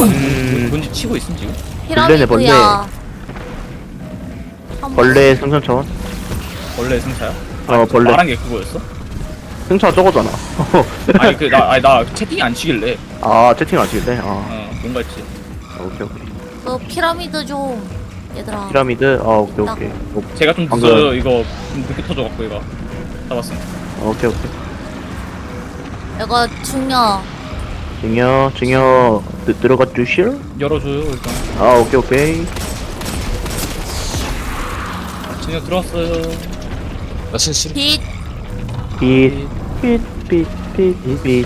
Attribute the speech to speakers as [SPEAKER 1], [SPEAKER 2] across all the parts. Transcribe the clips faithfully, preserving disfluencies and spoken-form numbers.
[SPEAKER 1] 음,
[SPEAKER 2] 뭔지 치고 있음 지금?
[SPEAKER 1] 벌레네, 벌레.
[SPEAKER 3] 피라미드야. 한번-
[SPEAKER 1] 벌레 승천차원?
[SPEAKER 2] 원래 승차야?
[SPEAKER 1] 어,
[SPEAKER 2] 아니,
[SPEAKER 1] 벌레.
[SPEAKER 2] 말한 게 그거였어?
[SPEAKER 1] 승차 저거잖아.
[SPEAKER 2] 아니 그 나 아니 나 채팅이 안 치길래.
[SPEAKER 1] 아, 채팅 안 치겠네? 아,
[SPEAKER 2] 어 뭔가 했지.
[SPEAKER 1] 오케이, 오케이.
[SPEAKER 3] 그 피라미드 좀 얘들아.
[SPEAKER 1] 피라미드? 아, 오케이, 오케이. 오,
[SPEAKER 2] 제가 좀
[SPEAKER 1] 방금-
[SPEAKER 2] 늦어요. 이거 좀 늦게 터져갖고 이거 잡았어.
[SPEAKER 1] 오케이, 오케이.
[SPEAKER 3] 이거 중요.
[SPEAKER 1] 증여, 증여, 드, 들어가 주실?
[SPEAKER 2] 열어줘요 일단.
[SPEAKER 1] 아, 오케이, 오케이.
[SPEAKER 2] 진짜 들어왔어요.
[SPEAKER 4] 나 실실
[SPEAKER 3] 빛.
[SPEAKER 1] 빛, 빛, 빛, 빛, 빛.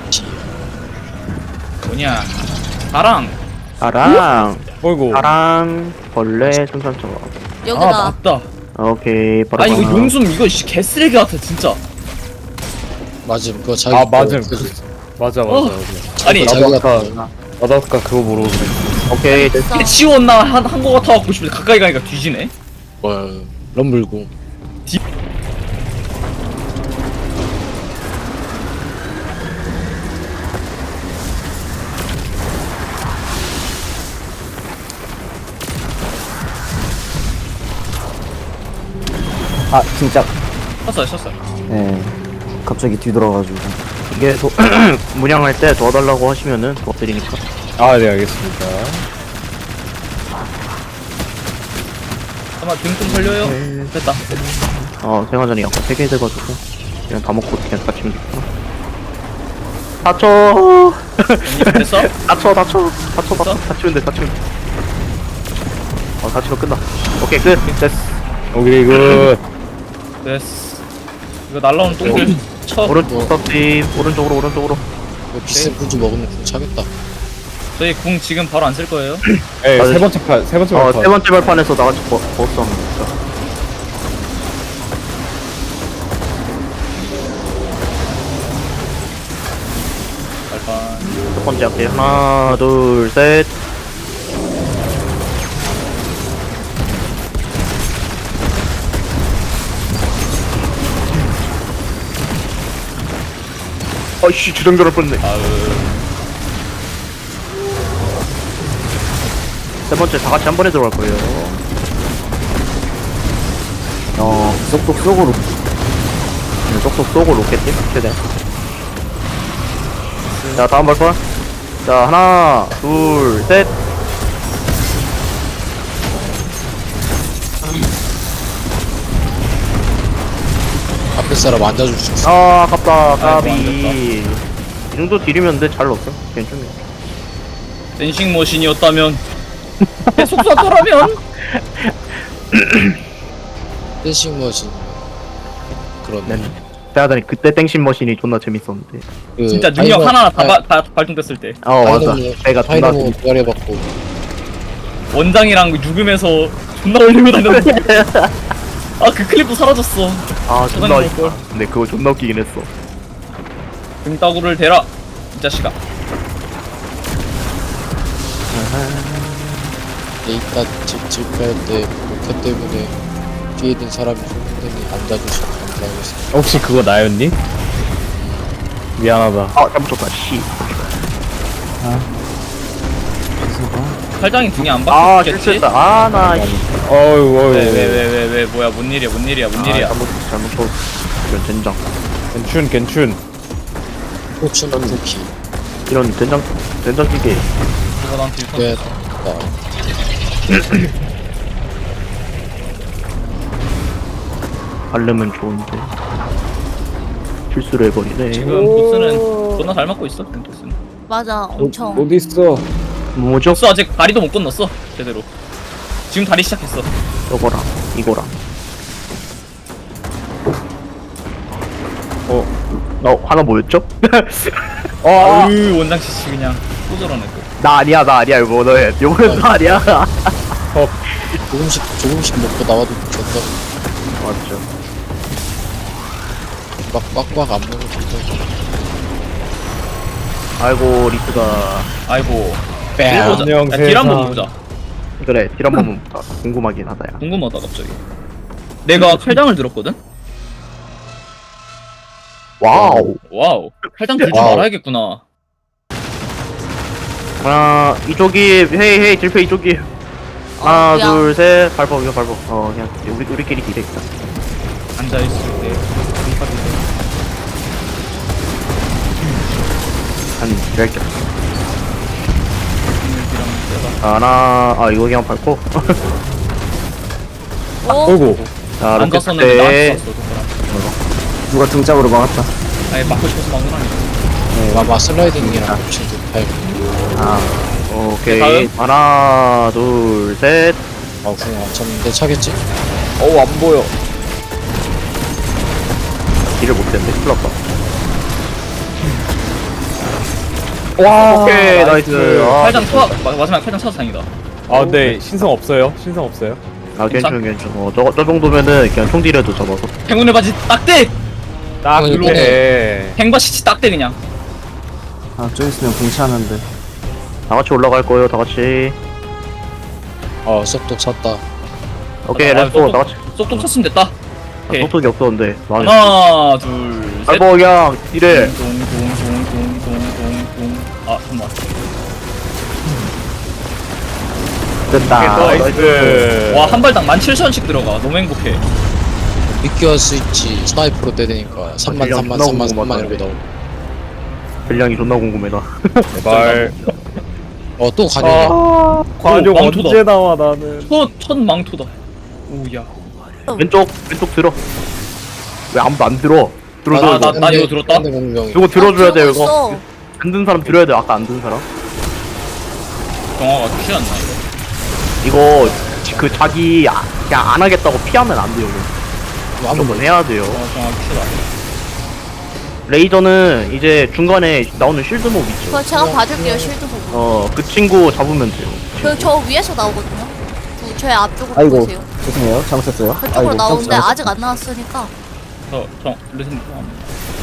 [SPEAKER 2] 뭐냐? 사랑.
[SPEAKER 1] 사랑,
[SPEAKER 5] 어이구.
[SPEAKER 1] 사랑, 벌레, 승천차원.
[SPEAKER 2] 아
[SPEAKER 3] 여기다.
[SPEAKER 2] 맞다.
[SPEAKER 1] 오케이, 바로.
[SPEAKER 2] 아 이거
[SPEAKER 1] 하나.
[SPEAKER 2] 용숨 이거 씨 개쓰레기 같아 진짜.
[SPEAKER 4] 맞음. 그거 자기
[SPEAKER 5] 아 맞음.
[SPEAKER 4] 그,
[SPEAKER 5] 맞아 맞아.
[SPEAKER 2] 어.
[SPEAKER 5] 맞아.
[SPEAKER 2] 아니
[SPEAKER 4] 자기
[SPEAKER 5] 나도
[SPEAKER 4] 같은
[SPEAKER 5] 아까 나도 아까 그거 모르고 그래.
[SPEAKER 1] 오케이, 됐어.
[SPEAKER 3] 됐어.
[SPEAKER 2] 치웠나 한한거 같아갖고 싶은데 가까이 가니까 뒤지네.
[SPEAKER 4] 뭐 럼블고.
[SPEAKER 6] 아 진짜
[SPEAKER 2] 쳤어요 쳤어요.
[SPEAKER 6] 네 갑자기 뒤돌아가지고
[SPEAKER 1] 이게 도, 문양할 때 도와달라고 하시면은 도와드리니까.
[SPEAKER 5] 아 네 알겠습니다.
[SPEAKER 2] 잠깐만 등 좀 걸려요. 됐다.
[SPEAKER 1] 어, 생화전이 약간 세 개 돼가지고 그냥 다 먹고 그냥 다치면 되겠구나. 다쳐.
[SPEAKER 2] 됐어?
[SPEAKER 1] 다쳐, 다쳐, 다쳐, 다쳐, 다치면 돼, 다치면 돼. 어, 다치면 끝나. 오케이, 끝. 됐어.
[SPEAKER 5] 오케이 굿.
[SPEAKER 2] 됐어. 이거 날라오는 똥들 쳐.
[SPEAKER 1] 오른쪽 스톱팀, 오른쪽으로, 오른쪽으로.
[SPEAKER 4] 뭐 비싼 군주 먹으면 군 차겠다.
[SPEAKER 2] 저희 궁 지금 바로 안 쓸 거예요.
[SPEAKER 5] 네,
[SPEAKER 1] 맞아.
[SPEAKER 5] 세 번째 판, 세 번째
[SPEAKER 1] 어,
[SPEAKER 5] 판.
[SPEAKER 1] 세 번째 발판에서 나같이 버, 버스 하면 진짜.
[SPEAKER 2] 발판.
[SPEAKER 1] 첫 번째 할게. 하나, 둘, 셋. 아이씨, 주정결할 뻔했네.
[SPEAKER 2] 아으.
[SPEAKER 1] 세 번째 다 같이 한 번에 들어갈 거예요.
[SPEAKER 6] 어 쏙쏙 쏙으로
[SPEAKER 1] 네, 쏙쏙 쏘고 로켓팀 최대. 자, 다음 발판. 자, 하나, 둘, 셋.
[SPEAKER 4] 앞에 사람 앉아줄 수 있어.
[SPEAKER 1] 아, 아깝다, 까비.
[SPEAKER 2] 아이고,
[SPEAKER 1] 이 정도 딜이면 돼, 잘 넣었어. 괜찮네.
[SPEAKER 2] 댄싱 머신이었다면 계속 쐈더라면
[SPEAKER 4] 댄싱 머신. 그렇네.
[SPEAKER 1] 네. 생각하니 그때 땡신 머신이 존나 재밌었는데.
[SPEAKER 4] 그
[SPEAKER 2] 진짜 능력
[SPEAKER 4] 다이너-
[SPEAKER 2] 하나 다,
[SPEAKER 4] 아,
[SPEAKER 2] 바, 다 발동됐을 때
[SPEAKER 1] 어, 맞아.
[SPEAKER 4] 다이너모-
[SPEAKER 1] 내가 존나
[SPEAKER 4] 다이너모
[SPEAKER 1] 재밌
[SPEAKER 4] 부활해 받고
[SPEAKER 2] 원장이랑 죽으면서 존나 올리고 다녔는데 아 그 클립도 사라졌어.
[SPEAKER 1] 아, 존나
[SPEAKER 2] 저장해
[SPEAKER 1] 웃기다.
[SPEAKER 2] 놓을걸.
[SPEAKER 1] 근데 그거 존나 웃기긴 했어.
[SPEAKER 2] 등따구를 대라 이 자식아.
[SPEAKER 4] 데이터 집 집할 때 로켓 때문에 뒤에 있는 사람이 죽는다니 앉아줘서 감사하겠습니다.
[SPEAKER 5] 혹시 그거 나였니? 미안하다.
[SPEAKER 1] 아, 잘못 쳤다, 씨.
[SPEAKER 2] 팔짱이 등에 안
[SPEAKER 1] 아,
[SPEAKER 2] 박혔겠지?
[SPEAKER 1] 실수했다. 아, 나, 씨.
[SPEAKER 5] 어유 어유.
[SPEAKER 2] 왜 왜 왜 왜 왜 뭐야 뭔 일이야 뭔 일이야 뭔 일이야.
[SPEAKER 1] 아, 잘못 쳤어, 잘못 쳤어. 이런 젠장.
[SPEAKER 5] 괜춘 괜춘.
[SPEAKER 4] 포춘 쿠키.
[SPEAKER 1] 이런 젠장, 젠장 기계.
[SPEAKER 2] 누가 나한테 유턴
[SPEAKER 4] 네.
[SPEAKER 2] 했어.
[SPEAKER 1] 바르면 좋은데. 실수를 해버리네.
[SPEAKER 2] 지금 보스는 존나 잘 맞고 있어. 지금 보스는.
[SPEAKER 3] 맞아. 엄청.
[SPEAKER 5] 어디 있어?
[SPEAKER 1] 뭐죠?
[SPEAKER 2] 보스 아직 다리도 못 건넜어 제대로. 지금 다리 시작했어.
[SPEAKER 1] 저거랑, 이거랑.
[SPEAKER 5] 어.
[SPEAKER 1] 어, 하나 뭐였죠?
[SPEAKER 5] 어. 아.
[SPEAKER 2] 아유 원장 씨씨 그냥 또 저러네 또.
[SPEAKER 1] 나 아니야, 나 아니야, 이거 너해. 이거는 나 아니야.
[SPEAKER 4] 조금씩 조금씩 먹고 나와도 된다.
[SPEAKER 1] 맞죠.
[SPEAKER 4] 막 꽉꽉 안 먹어도 된다.
[SPEAKER 1] 아이고, 리스가.
[SPEAKER 2] 아이고.
[SPEAKER 5] 뺨.
[SPEAKER 2] 딜 보자.
[SPEAKER 5] 안녕,
[SPEAKER 2] 야, 딜 한번
[SPEAKER 5] 세상.
[SPEAKER 2] 보자.
[SPEAKER 1] 그래, 딜 한번 볼까? 궁금하긴 하다, 야.
[SPEAKER 2] 궁금하다 갑자기. 내가 칼장을 들었거든?
[SPEAKER 1] 와우.
[SPEAKER 2] 와우. 칼장 들 줄
[SPEAKER 4] 와우.
[SPEAKER 2] 알아야겠구나.
[SPEAKER 1] 하나 이쪽이 헤이 헤이 질페 이쪽이 하나
[SPEAKER 3] 어, 미안.
[SPEAKER 1] 둘셋 밟어 이거 밟어 어 그냥 우리 우리끼리 딜해 있다
[SPEAKER 2] 앉아있을 때 공파도
[SPEAKER 1] 한 딜할게
[SPEAKER 2] 딜하면 세다.
[SPEAKER 1] 하나 아 이거 그냥 밟고
[SPEAKER 3] 오,
[SPEAKER 5] 어이구.
[SPEAKER 1] 자 로켓
[SPEAKER 2] 앉았었는데 나한테
[SPEAKER 1] 때
[SPEAKER 2] 쐈어 손가락.
[SPEAKER 6] 누가 등짝으로 막았다.
[SPEAKER 2] 아니 맞고 싶어서 막는 거 아니야.
[SPEAKER 4] 마마 슬라이딩이랑 겹치는 타입.
[SPEAKER 1] 아 오케이
[SPEAKER 2] 다음.
[SPEAKER 1] 하나 둘셋
[SPEAKER 4] 아, 궁 안 쳤는데 차겠지?
[SPEAKER 5] 어우, 안 보여.
[SPEAKER 1] 딜을 못했는데 큰일 났다
[SPEAKER 5] 와,
[SPEAKER 1] 오케이 나이스 아,
[SPEAKER 2] 팔장 쳐 마지막에 팔장 쳐서 다행이다.
[SPEAKER 5] 아, 근데 신성 없어요. 신성 없어요.
[SPEAKER 1] 아 괜찮 괜찮 어저 저 정도면은 그냥 총 딜해도 잡아서
[SPEAKER 2] 행운의 바지 딱대.
[SPEAKER 5] 딱
[SPEAKER 4] 어,
[SPEAKER 5] 그래.
[SPEAKER 2] 행바시치 딱대 그냥.
[SPEAKER 6] 아, 좀 있으면 공치하는데.
[SPEAKER 1] 다 같이 올라갈 거예요 다 같이
[SPEAKER 4] 어, 쏙독 찼다.
[SPEAKER 1] 오케이
[SPEAKER 2] 아,
[SPEAKER 1] 렛츠고
[SPEAKER 2] 쏙-
[SPEAKER 1] 다 같이
[SPEAKER 2] 쏙쏙 쳤으면 됐다. 오케이.
[SPEAKER 1] 소통이 없었는데 나는
[SPEAKER 2] 하나 둘 셋.
[SPEAKER 1] 아이고 그냥 딜해
[SPEAKER 2] 동동동동동동동. 아 잠깐만.
[SPEAKER 6] 됐다.
[SPEAKER 5] 나이스.
[SPEAKER 2] 와 한 발당 만 칠천 원씩 들어가. 너무 행복해.
[SPEAKER 4] 미끼어 스위치 스나이프로 때리니까 삼만
[SPEAKER 1] 딜량
[SPEAKER 4] 삼만
[SPEAKER 1] 존나
[SPEAKER 4] 삼만 삼만
[SPEAKER 1] 궁금하다.
[SPEAKER 4] 이러고 나오고.
[SPEAKER 1] 분량이 존나 궁금해 나
[SPEAKER 5] 제발.
[SPEAKER 4] 어, 또 가격이야.
[SPEAKER 5] 아, 관용
[SPEAKER 2] 망토다.
[SPEAKER 5] 언제 나와, 나는.
[SPEAKER 2] 첫, 첫 망토다. 오야.
[SPEAKER 1] 왼쪽 왼쪽 들어 왜 아무도 안 들어 들어
[SPEAKER 2] 아,
[SPEAKER 1] 들어
[SPEAKER 2] 나-
[SPEAKER 1] 이거
[SPEAKER 2] 나 이거 들었다?
[SPEAKER 4] 근데 공병이.
[SPEAKER 1] 이거 들어줘야 돼요
[SPEAKER 3] 들고
[SPEAKER 1] 이거
[SPEAKER 3] 있어.
[SPEAKER 1] 안 든 사람 들어야 돼 아까 안 든 사람
[SPEAKER 2] 정화가 취했나 이거?
[SPEAKER 1] 이거 그 자기 아, 그냥 안 하겠다고 피하면 안 돼요 이거.
[SPEAKER 4] 아무
[SPEAKER 1] 무조건 해야 돼요
[SPEAKER 2] 정화 정화 취했다.
[SPEAKER 1] 레이저는 이제 중간에 나오는 쉴드 몹 있죠
[SPEAKER 3] 그거 제가 봐줄게요, 실드 보고.
[SPEAKER 1] 어 그 친구 잡으면 돼요
[SPEAKER 3] 그, 저 위에서 나오거든요. 그, 저의 앞쪽으로
[SPEAKER 6] 아이고,
[SPEAKER 3] 보세요.
[SPEAKER 6] 죄송해요. 잘못했어요.
[SPEAKER 3] 그쪽으로
[SPEAKER 6] 아이고,
[SPEAKER 3] 나오는데
[SPEAKER 6] 잘못-
[SPEAKER 3] 아직 안 나왔으니까.
[SPEAKER 2] 저정 레슨 좋아합니다.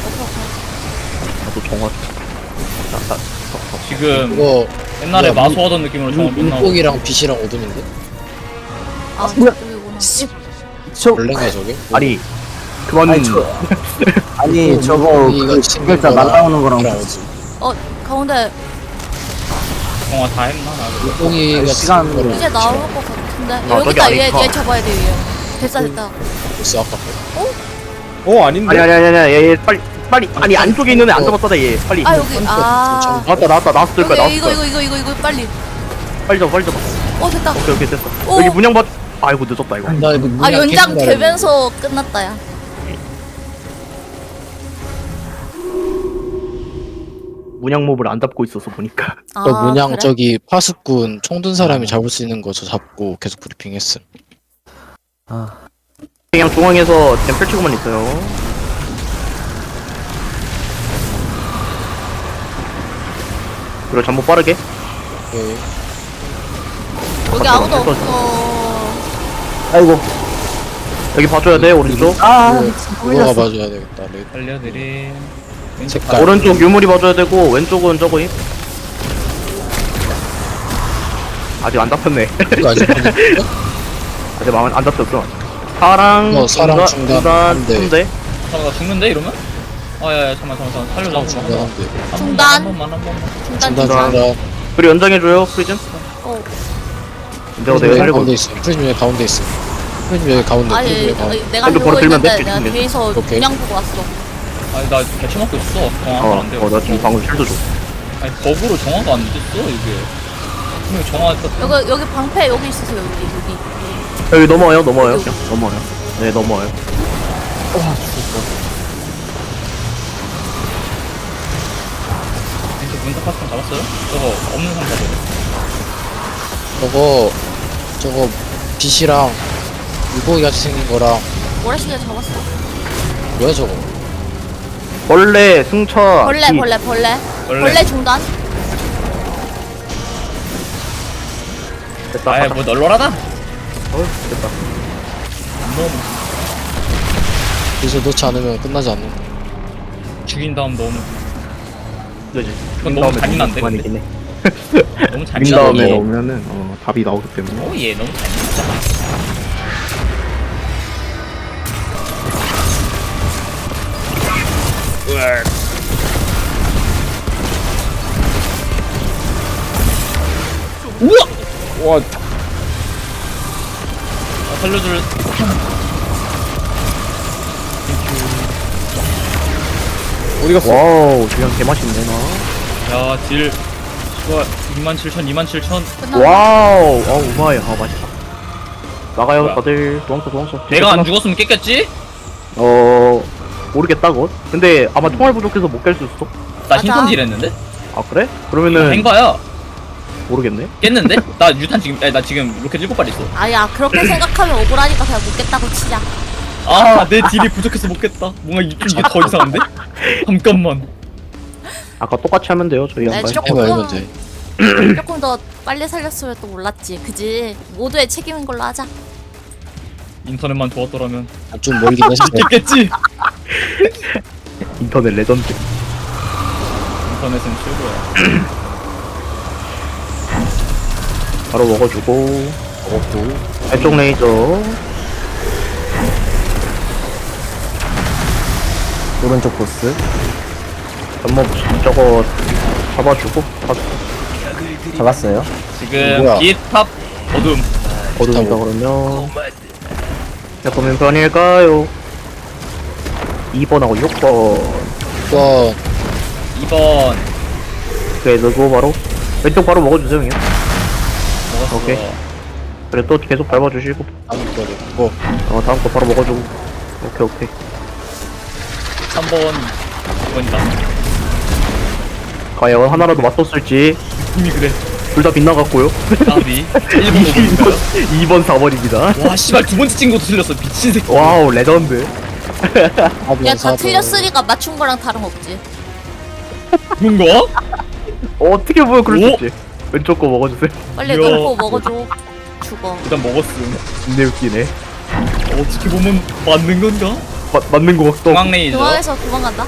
[SPEAKER 1] 나도 정화 자, 자,
[SPEAKER 2] 지금
[SPEAKER 4] 이거
[SPEAKER 2] 옛날에
[SPEAKER 4] 뭐야,
[SPEAKER 2] 마소하던 느낌으로 정화 못 나오고.
[SPEAKER 4] 눈뽕이랑 빛이랑 어둠인데?
[SPEAKER 3] 아,
[SPEAKER 6] 뭐야?
[SPEAKER 3] 저기구나.
[SPEAKER 6] 저,
[SPEAKER 4] 원래인가 저게?
[SPEAKER 1] 아니 그만
[SPEAKER 6] 아니, 저, 아니, 저거,
[SPEAKER 4] 눈뽕이가
[SPEAKER 6] 그,
[SPEAKER 4] 생긴
[SPEAKER 6] 글자
[SPEAKER 4] 거랑
[SPEAKER 6] 날라오는 거랑
[SPEAKER 4] 빛이랑
[SPEAKER 6] 같이.
[SPEAKER 3] 어, 가운데
[SPEAKER 2] 정화 다 했나 나.
[SPEAKER 4] 눈뽕이가
[SPEAKER 6] 시간-
[SPEAKER 4] 생긴 거랑
[SPEAKER 3] 이제 나올
[SPEAKER 4] 빛이랑
[SPEAKER 3] 것 같은데.
[SPEAKER 1] 아,
[SPEAKER 3] 여기
[SPEAKER 1] 저기
[SPEAKER 3] 있다, 얘,
[SPEAKER 1] 아니구나.
[SPEAKER 3] 얘 잡아야 돼, 얘. 됐다, 됐다.
[SPEAKER 4] 벌써 아까
[SPEAKER 5] 어, 아닌데.
[SPEAKER 1] 아니 아니 아니 아니 얘, 얘 빨리 빨리 아니 안쪽에 있는 애 안 잡았다 얘 빨리
[SPEAKER 3] 아, 여기, 아.
[SPEAKER 1] 나왔다 나왔다 나왔을 거야
[SPEAKER 3] 여기, 이거,
[SPEAKER 1] 나왔을
[SPEAKER 3] 이거,
[SPEAKER 1] 거야
[SPEAKER 3] 이거, 이거, 이거, 빨리.
[SPEAKER 1] 빨리 잡아 빨리 잡아
[SPEAKER 3] 어, 됐다.
[SPEAKER 1] 오케이 오케이 됐어
[SPEAKER 3] 오.
[SPEAKER 1] 여기 문양 받 아이고 늦었다 이거
[SPEAKER 4] 나 이거
[SPEAKER 3] 아,
[SPEAKER 4] 문양
[SPEAKER 3] 연장
[SPEAKER 4] 깨진 줄
[SPEAKER 3] 되면서 끝났다, 야.
[SPEAKER 1] 문양 몹을 안 잡고 있어서 보니까
[SPEAKER 3] 아,
[SPEAKER 4] 저 문양
[SPEAKER 3] 그래?
[SPEAKER 4] 저기 파수꾼 총 든 사람이 잡을 수 있는 거 저 잡고 계속 브리핑했음.
[SPEAKER 6] 아,
[SPEAKER 1] 그냥 중앙에서 그냥 펼치고만 있어요 그리고 잠복 빠르게
[SPEAKER 4] 오케이.
[SPEAKER 3] 여기
[SPEAKER 1] 아,
[SPEAKER 3] 아무도
[SPEAKER 1] 됐어.
[SPEAKER 3] 없어.
[SPEAKER 6] 아이고.
[SPEAKER 1] 여기 봐줘야 돼 오른쪽
[SPEAKER 6] 아,
[SPEAKER 4] 누가 봐줘야 되겠다. 레-
[SPEAKER 2] 알려드림.
[SPEAKER 4] 색깔.
[SPEAKER 1] 오른쪽 유물이 봐줘야 되고 왼쪽은 저거 임 아직 안 잡혔네
[SPEAKER 4] 이거 아직 안 됐어?
[SPEAKER 1] 아직 마음 안 잡혔어 사랑
[SPEAKER 4] 어, 사랑 중단
[SPEAKER 1] 중단
[SPEAKER 4] 한 대.
[SPEAKER 1] 한대
[SPEAKER 2] 잠깐 나 죽는데 이러면? 아야야 잠깐만 잠깐만 살려줘.
[SPEAKER 4] 사랑 중단한데.
[SPEAKER 2] 한
[SPEAKER 3] 중단.
[SPEAKER 2] 번만 한 번만.
[SPEAKER 3] 중단,
[SPEAKER 4] 중단
[SPEAKER 3] 중단.
[SPEAKER 4] 중단.
[SPEAKER 1] 그리고 연장해줘요 프리즘
[SPEAKER 3] 어.
[SPEAKER 1] 내가 내가
[SPEAKER 4] 프리즘
[SPEAKER 1] 살리고
[SPEAKER 4] 가운데 있어. 프리즘 여기 가운데 있어. 프리즘 여기 가운데.
[SPEAKER 3] 아니,
[SPEAKER 4] 프리즘 여기 가운데.
[SPEAKER 3] 아니, 내가
[SPEAKER 1] 근데
[SPEAKER 3] 보고
[SPEAKER 1] 바로 들면
[SPEAKER 3] 있는데
[SPEAKER 1] 돼,
[SPEAKER 3] 내가
[SPEAKER 1] 뒤집네.
[SPEAKER 3] 뒤에서
[SPEAKER 4] 오케이.
[SPEAKER 3] 그냥 보고 왔어.
[SPEAKER 2] 아니 나 개쳐 먹고 있어. 정화
[SPEAKER 1] 어,
[SPEAKER 2] 안 돼.
[SPEAKER 1] 어, 나 지금 방금 쉴드 줘.
[SPEAKER 2] 아니 버그로 정화가 안 됐어 이게. 분명히 정화 떴.
[SPEAKER 3] 여기, 여기 방패 여기 있으세요, 여기, 여기.
[SPEAKER 1] 여기 넘어와요, 넘어와요. 그냥 넘어와요. 네, 넘어와요.
[SPEAKER 2] 이제 문사 파스콘 잡았어요? 저거 없는 상자들.
[SPEAKER 4] 저거 저거 빛이랑 물고기 같이 생긴 거랑
[SPEAKER 3] 모래시계 잡았어.
[SPEAKER 4] 뭐야 저거?
[SPEAKER 1] 벌레, 승차.
[SPEAKER 3] 벌레,
[SPEAKER 1] 기.
[SPEAKER 3] 벌레, 벌레.
[SPEAKER 2] 벌레.
[SPEAKER 3] 벌레 중단.
[SPEAKER 1] 됐다.
[SPEAKER 2] 아예 뭐 널널하다.
[SPEAKER 1] 어, 됐다.
[SPEAKER 2] 안 넣으면
[SPEAKER 4] 여기서 넣지 않으면 끝나지 않는다.
[SPEAKER 2] 죽인 다음 넣으면
[SPEAKER 1] 그지.
[SPEAKER 2] 그건 너무 잔인한데,
[SPEAKER 1] 그만이긴 해.
[SPEAKER 2] 너무 잘
[SPEAKER 1] 죽인 다음에
[SPEAKER 4] 이거.
[SPEAKER 1] 넣으면은 어, 답이 나오기 때문에.
[SPEAKER 2] 오예 너무 잔인하잖아. 우와!
[SPEAKER 5] 와,
[SPEAKER 2] 아, 살려줄.
[SPEAKER 5] 어디 갔어?
[SPEAKER 1] 와우 그냥 개맛있네 나.
[SPEAKER 2] 야, 딜. 좋아. 이만 칠천, 이만 칠천.
[SPEAKER 3] 끝나.
[SPEAKER 1] 와우 아우 우마이 아 맛있다. 나가요
[SPEAKER 2] 뭐야?
[SPEAKER 1] 다들 도망쳐 도망쳐.
[SPEAKER 2] 내가 안 죽었으면 깼겠지?
[SPEAKER 1] 어 모르겠다 곧. 근데 아마 총알 부족해서 못 깰 수 있어.
[SPEAKER 2] 나
[SPEAKER 3] 맞아.
[SPEAKER 2] 흰선 딜 했는데?
[SPEAKER 1] 아 그래? 그러면은
[SPEAKER 2] 행가야.
[SPEAKER 1] 모르겠네.
[SPEAKER 2] 깼는데? 나 유탄 지금, 아니, 나 지금 로켓 일곱 발 있어.
[SPEAKER 3] 아야 그렇게 생각하면 억울하니까 그냥 묻겠다고 치자.
[SPEAKER 2] 아, 내 딜이 부족해서 못 깼다. 뭔가 이- 좀 이게 더 이상한데? 잠깐만.
[SPEAKER 1] 아까 똑같이 하면 돼요 저희
[SPEAKER 3] 네,
[SPEAKER 1] 양반.
[SPEAKER 3] 조금
[SPEAKER 4] 해봐
[SPEAKER 3] 더
[SPEAKER 4] 해봐 돼.
[SPEAKER 3] 조금 더 빨리 살렸으면 또 몰랐지. 그지? 모두의 책임인 걸로 하자.
[SPEAKER 2] 인터넷만 좋았더라면.
[SPEAKER 4] 아, 좀 멀긴 했어.
[SPEAKER 2] 깼겠지?
[SPEAKER 1] 인터넷 레전드.
[SPEAKER 2] 인터넷은 최고야.
[SPEAKER 1] 바로 먹어주고
[SPEAKER 4] 먹었고.
[SPEAKER 1] 왼쪽 레이저.
[SPEAKER 6] 오른쪽 보스.
[SPEAKER 1] 한번 저거 잡아주고 다
[SPEAKER 6] 잡았어요.
[SPEAKER 2] 지금
[SPEAKER 4] 뭐야?
[SPEAKER 2] 비탑 어둠.
[SPEAKER 1] 어둠이다 그러면 몇 번면 편일까요? 이 번하고 육 번.
[SPEAKER 4] 와,
[SPEAKER 2] 이 번
[SPEAKER 1] 그래 넣고 바로 왼쪽 바로 먹어주세요 형님.
[SPEAKER 2] 먹었어.
[SPEAKER 1] 오케이. 그래 또 계속 밟아주시고
[SPEAKER 4] 다음 거를. 뭐,
[SPEAKER 1] 어 다음 거 바로 먹어주고. 오케이 오케이.
[SPEAKER 2] 삼 번, 이 번이다.
[SPEAKER 1] 과연 하나라도 맞섰을지.
[SPEAKER 2] 이미 그래.
[SPEAKER 1] 둘 다 빗나갔고요.
[SPEAKER 2] 까비. 일 번, 오 번인가요?
[SPEAKER 1] 이 번 사 번입니다.
[SPEAKER 2] 와, 씨발, 두 번째 찍은 것도 틀렸어. 미친 새끼.
[SPEAKER 1] 와우 레전드.
[SPEAKER 3] 야 다 틀렸으니까 맞춘 거랑 다름없지.
[SPEAKER 2] 그런가?
[SPEAKER 1] 어, 어떻게 보면 그럴 수
[SPEAKER 2] 오?
[SPEAKER 1] 있지. 왼쪽 거 먹어주세요.
[SPEAKER 3] 빨리
[SPEAKER 2] 이야.
[SPEAKER 3] 넣고 먹어줘. 죽어.
[SPEAKER 2] 일단 먹었음.
[SPEAKER 1] 근데 웃기네.
[SPEAKER 2] 어떻게 보면 맞는 건가?
[SPEAKER 1] 마, 맞는 거 같다.
[SPEAKER 2] 중앙 레이저.
[SPEAKER 3] 중앙에서 도망간다.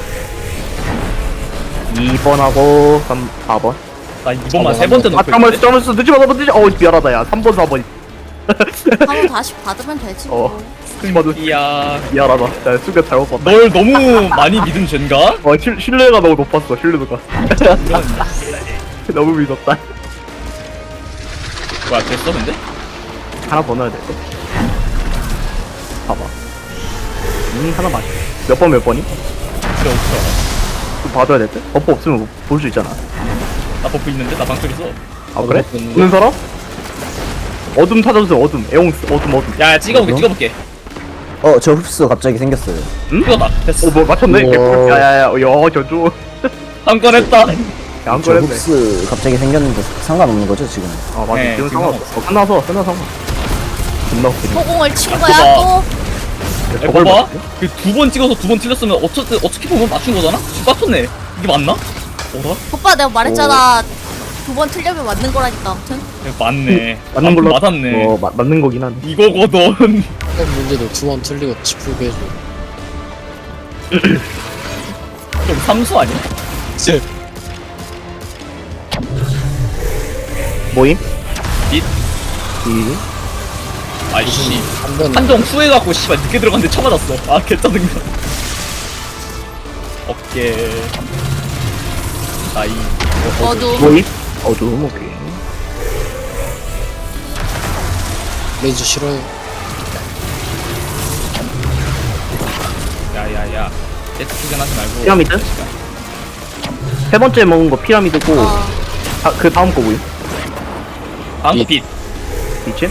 [SPEAKER 1] 이 번하고 삼, 사 번.
[SPEAKER 2] 나 이번만 세 번째
[SPEAKER 1] 아,
[SPEAKER 2] 넣고
[SPEAKER 1] 잠깐만,
[SPEAKER 2] 있는데?
[SPEAKER 1] 잠깐만, 늦지 마, 너무 늦지 마. 어, 미안하다, 야. 삼 번, 사 번.
[SPEAKER 3] 한번 다시 받으면 되지. 뭐.
[SPEAKER 1] 어. 스마드
[SPEAKER 2] 이야,
[SPEAKER 1] 미안하다. 자, 수가 잘못 봤다.
[SPEAKER 2] 널 너무 많이 믿은 죄인가?
[SPEAKER 1] 어, 실, 신뢰가 너무 높았어, 신뢰도가.
[SPEAKER 2] 이런.
[SPEAKER 1] 너무 믿었다.
[SPEAKER 2] 뭐야, 됐어, 근데?
[SPEAKER 1] 하나 더 넣어야 될 거. 봐봐. 음, 하나 맞아. 몇 번, 몇 번이?
[SPEAKER 2] 그래, 없어.
[SPEAKER 1] 좀 봐줘야 될 때? 버프 없으면 볼 수 있잖아.
[SPEAKER 2] 나 버프 있는데? 나 방쪽 있어.
[SPEAKER 1] 아, 그래?
[SPEAKER 4] 버프 있는데?
[SPEAKER 1] 보는 사람? 어둠 찾아주세요, 어둠. 에옹스, 어둠, 어둠.
[SPEAKER 2] 야, 야, 찍어볼게, 찍어볼게.
[SPEAKER 6] 어, 저 흡수 갑자기 생겼어요.
[SPEAKER 2] 찍어다. 됐어.
[SPEAKER 1] 어, 뭐, 맞췄네?
[SPEAKER 6] 우와.
[SPEAKER 1] 개꿀. 야, 야, 야, 야, 저쪽.
[SPEAKER 2] 한 건 했다.
[SPEAKER 1] 야, 한
[SPEAKER 6] 저
[SPEAKER 1] 건 했네.
[SPEAKER 6] 흡수 갑자기 생겼는데 상관없는 거죠, 지금?
[SPEAKER 1] 아, 맞아.
[SPEAKER 2] 네,
[SPEAKER 1] 지금
[SPEAKER 2] 지금
[SPEAKER 1] 상관없어. 어, 끝나서, 끝나서 상관. 존나 웃기네.
[SPEAKER 3] 소공을 친
[SPEAKER 2] 아,
[SPEAKER 3] 거야
[SPEAKER 2] 그거
[SPEAKER 3] 또.
[SPEAKER 2] 야,
[SPEAKER 1] 저걸
[SPEAKER 2] 봐봐.
[SPEAKER 1] 봤어?
[SPEAKER 2] 그 두 번 찍어서 두 번 틀렸으면 어차피, 어떻게 보면 맞춘 거잖아? 지금 맞췄네. 이게 맞나? 어라?
[SPEAKER 3] 오빠 내가 말했잖아. 두 번 틀려면 맞는 거라니까 아무튼.
[SPEAKER 2] 야, 맞네.
[SPEAKER 1] 맞는
[SPEAKER 2] 아,
[SPEAKER 1] 걸로.
[SPEAKER 2] 맞았네.
[SPEAKER 1] 어, 마, 맞는 거긴 하네.
[SPEAKER 2] 이거거든.
[SPEAKER 4] 첫 문제도 두 번 틀리고 짚풀게 해줘.
[SPEAKER 2] 좀 삼수 아니야?
[SPEAKER 4] 쎄.
[SPEAKER 1] 모임?
[SPEAKER 2] 잇.
[SPEAKER 1] 이.
[SPEAKER 2] 아이씨.
[SPEAKER 4] 한 번.
[SPEAKER 2] 한정 후회갖고 씨발 늦게 들어갔는데 쳐맞았어. 아 개짜증나. 어깨. 나이.
[SPEAKER 3] 어두.
[SPEAKER 1] 모임? 어둠, 오케이.
[SPEAKER 4] 레이저 싫어요.
[SPEAKER 2] 야야야. 세트 투견하지 말고.
[SPEAKER 1] 피라미드? 세 번째 먹은 거 피라미드고,
[SPEAKER 3] 어.
[SPEAKER 1] 아, 그 다음 거 뭐임?
[SPEAKER 2] 다음 거
[SPEAKER 4] 빛.
[SPEAKER 2] 빛.
[SPEAKER 1] 빛이?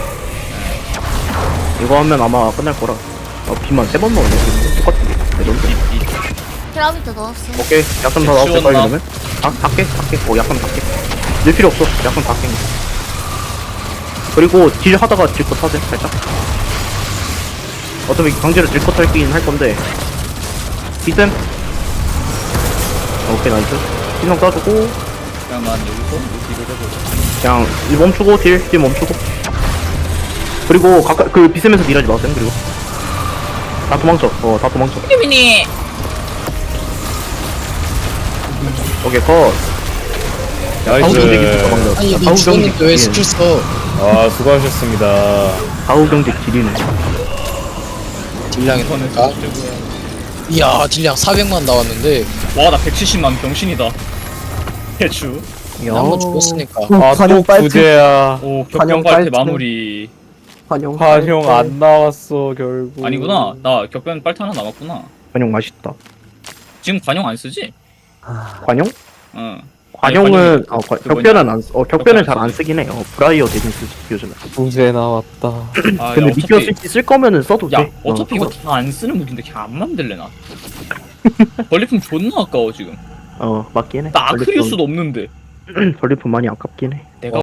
[SPEAKER 1] 이거 하면 아마 끝날 거라. 어, 빛만 세 번 먹었네. 똑같은 게. 레전드.
[SPEAKER 2] 빛. 빛.
[SPEAKER 3] 피라미드 넣었어.
[SPEAKER 1] 오케이. 약점 다 나왔어,
[SPEAKER 2] 지웠나?
[SPEAKER 1] 빨리 그러면. 다, 다 깨, 다 깨. 어, 약점 다 깨. 낼 필요 없어. 약점 다 깨. 그리고 딜 하다가 딜컷 하세요, 살짝. 어차피 강제로 딜컷 할긴 할 건데. 비쌤. 오케이, 나이스. 희성 따주고,
[SPEAKER 2] 그냥 난 여기서 이 딜을 해보자.
[SPEAKER 1] 그냥 일 멈추고, 딜, 딜 멈추고. 그리고 가까, 그 비쌤에서 딜하지 마세요, 그리고. 다 도망쳐. 어, 다 도망쳐.
[SPEAKER 2] 피미니.
[SPEAKER 1] 오케이, 컷.
[SPEAKER 5] 나이스.
[SPEAKER 4] 아니, 니 죽었는데 왜 스킬 써?
[SPEAKER 5] 아, 수고하셨습니다.
[SPEAKER 1] 가우 경직 딜이네.
[SPEAKER 4] 딜량이
[SPEAKER 2] 인터넷
[SPEAKER 4] 나니까.
[SPEAKER 2] 최고야.
[SPEAKER 4] 이야, 딜량 사백만 나왔는데.
[SPEAKER 2] 와, 나 백칠십만 병신이다. 대추.
[SPEAKER 4] 한 번 죽었으니까.
[SPEAKER 5] 아,
[SPEAKER 6] 환영
[SPEAKER 5] 또
[SPEAKER 6] 빨대.
[SPEAKER 5] 구제야.
[SPEAKER 2] 오
[SPEAKER 6] 환영
[SPEAKER 2] 격변 빨대
[SPEAKER 6] 빨대.
[SPEAKER 2] 마무리.
[SPEAKER 6] 환영.
[SPEAKER 5] 환영 안 나왔어, 결국.
[SPEAKER 2] 아니구나. 나 격변 빨대 하나 남았구나.
[SPEAKER 1] 관용 맛있다.
[SPEAKER 2] 지금 관용 안 쓰지?
[SPEAKER 1] 관용?
[SPEAKER 2] 응.
[SPEAKER 1] 관용은
[SPEAKER 2] 관용이
[SPEAKER 1] 어, 관-
[SPEAKER 2] 그
[SPEAKER 1] 격변은 안, 쓰- 어 격변은
[SPEAKER 2] 격변
[SPEAKER 1] 잘 안
[SPEAKER 2] 쓰지.
[SPEAKER 1] 쓰긴 해요. 브라이어 대신 쓰지 요즘에.
[SPEAKER 5] 구제 나왔다.
[SPEAKER 2] 아,
[SPEAKER 1] 근데
[SPEAKER 2] 야,
[SPEAKER 1] 미디어
[SPEAKER 2] 어차피
[SPEAKER 1] 스위치 쓸 거면은 써도
[SPEAKER 2] 야
[SPEAKER 1] 돼.
[SPEAKER 2] 어차피
[SPEAKER 1] 어,
[SPEAKER 2] 이거 다 안 쓰는 무기인데 그냥 안 만들래 나. 전리품 존나 아까워 지금.
[SPEAKER 1] 어 맞긴 해.
[SPEAKER 2] 나 아크리우스도 없는데.
[SPEAKER 1] 전리품 많이 아깝긴 해.
[SPEAKER 2] 내가